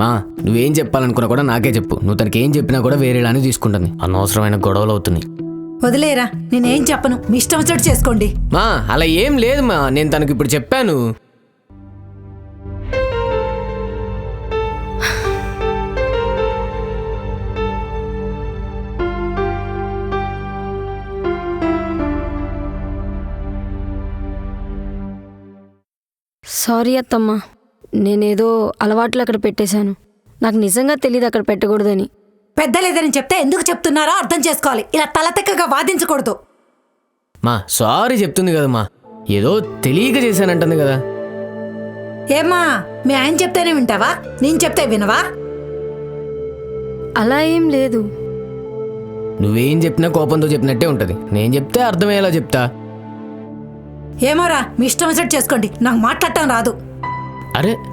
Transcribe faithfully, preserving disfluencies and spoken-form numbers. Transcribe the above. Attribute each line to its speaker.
Speaker 1: మా నువ్వేం చెప్పాలనుకున్నా కూడా నాకే చెప్పు. నువ్వు తనకి ఏం చెప్పినా కూడా వేరేలానే తీసుకుంటుంది. అనవసరమైన గొడవలు అవుతున్నాయి.
Speaker 2: వదిలేరా, నేనేం చెప్పను, మీ ఇష్టం వచ్చినట్టు చేసుకోండి.
Speaker 1: మా అలా ఏం లేదు మా, నేను తనకి ఇప్పుడు చెప్పాను.
Speaker 3: సారీ అత్తమ్మ, నేనేదో అలవాట్లు అక్కడ పెట్టేశాను. నాకు నిజంగా తెలియదు అక్కడ పెట్టకూడదని.
Speaker 2: పెద్దలేదని చెప్తే ఎందుకు చెప్తున్నారో అర్థం చేసుకోవాలి. ఇలా తలతెక్కగా వాదించకూడదు.
Speaker 1: మా సారీ చెప్తుంది కదా మా, ఏదో తెలియక చేశానంటుంది కదా.
Speaker 2: ఏమ్మా, మీ ఆయన చెప్తేనే వింటావా, నేను చెప్తే వినవా?
Speaker 3: అలా ఏం లేదు.
Speaker 1: నువ్వేం చెప్పినా కోపంతో చెప్పినట్టే ఉంటుంది. నేను చెప్తే అర్థమయ్యేలా చెప్తా.
Speaker 2: ఏమోరా, మీ ఇష్టం వచ్చినట్టు చేసుకోండి, నాకు మాట్లాడటం రాదు.
Speaker 1: అరే